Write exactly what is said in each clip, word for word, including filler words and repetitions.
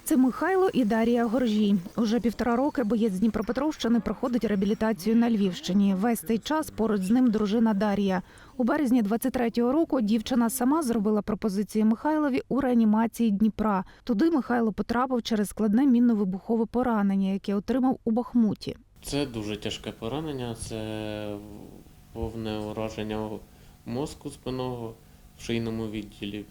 Це Михайло і Дарія Горжій. Уже півтора роки боєць з Дніпропетровщини проходить реабілітацію на Львівщині. Весь цей час поруч з ним дружина Дар'я. У березні двадцять третього року дівчина сама зробила пропозицію Михайлові у реанімації Дніпра. Туди Михайло потрапив через складне мінно-вибухове поранення, яке отримав у Бахмуті. Це дуже тяжке поранення, це повне ураження мозку спинного в шийному відділі.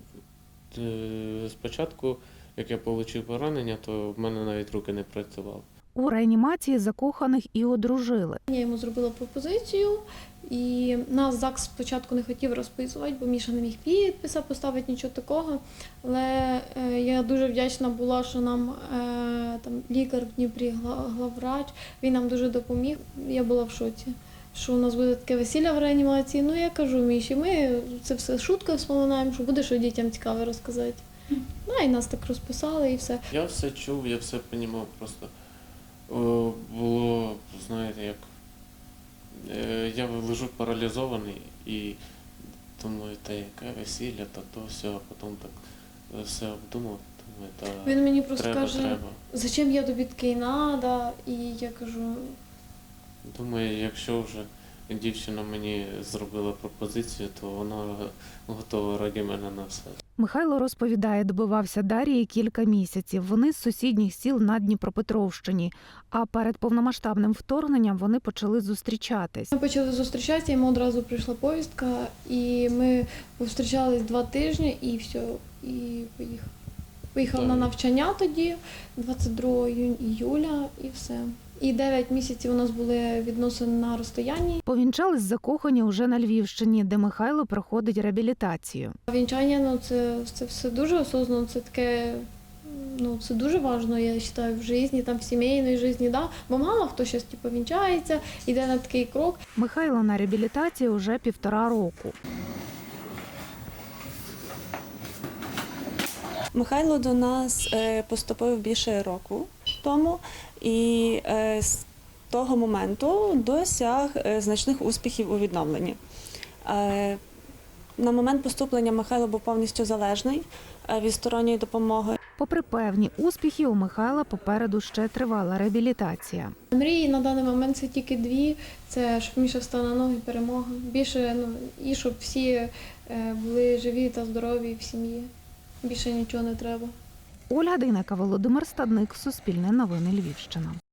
Спочатку, як я отримав поранення, то в мене навіть руки не працювали. У реанімації закоханих і одружили. Я йому зробила пропозицію, і нас ЗАГС спочатку не хотів розписувати, бо Міша не міг підписа поставити, нічого такого. Але я дуже вдячна була, що нам там лікар в Дніпрі, главврач, він нам дуже допоміг. Я була в шоці, що у нас буде таке весілля в реанімації. Ну, я кажу Міші, ми це все шуткою вспоминаємо, що буде, що дітям цікаво розказати. Ну, і нас так розписали, і все. Я все чув, я все розумів, просто о, було, знаєте, як, е, я лежу паралізований і думаю, та яке весілля, та то все, а потім так все обдумав. Думаю, та він мені просто треба, каже, треба. зачем я тобі такий надо, і я кажу, думаю, якщо вже дівчина мені зробила пропозицію, то вона готова раді мене на все. Михайло розповідає, добивався Дар'ї кілька місяців. Вони з сусідніх сіл на Дніпропетровщині. А перед повномасштабним вторгненням вони почали зустрічатись. Ми почали зустрічатися, йому одразу прийшла повістка, і ми зустрічались два тижні, і все, і поїхав. Поїхав на навчання тоді, двадцять другого іюля, і все. І дев'ять місяців у нас були відносини на розстоянні. Повінчались закохані уже на Львівщині, де Михайло проходить реабілітацію. Вінчання, ну це, це все дуже осознанно, це таке, ну це дуже важливо, я вважаю, в житті, там в сімейній житті, да? Бо мало хто зараз типу, вінчається, йде на такий крок. Михайло на реабілітації уже півтора року. Михайло до нас поступив більше року тому і з того моменту досяг значних успіхів у відновленні. На момент поступлення Михайло був повністю залежний від сторонньої допомоги. Попри певні успіхи, у Михайла попереду ще тривала реабілітація. Мрії на даний момент це тільки дві. Це щоб Міша встав на ноги, перемога. Більше, ну, і щоб всі були живі та здорові в сім'ї. Більше нічого не треба. Ольга Дейнека, Володимир Стадник, Суспільне новини Львівщина.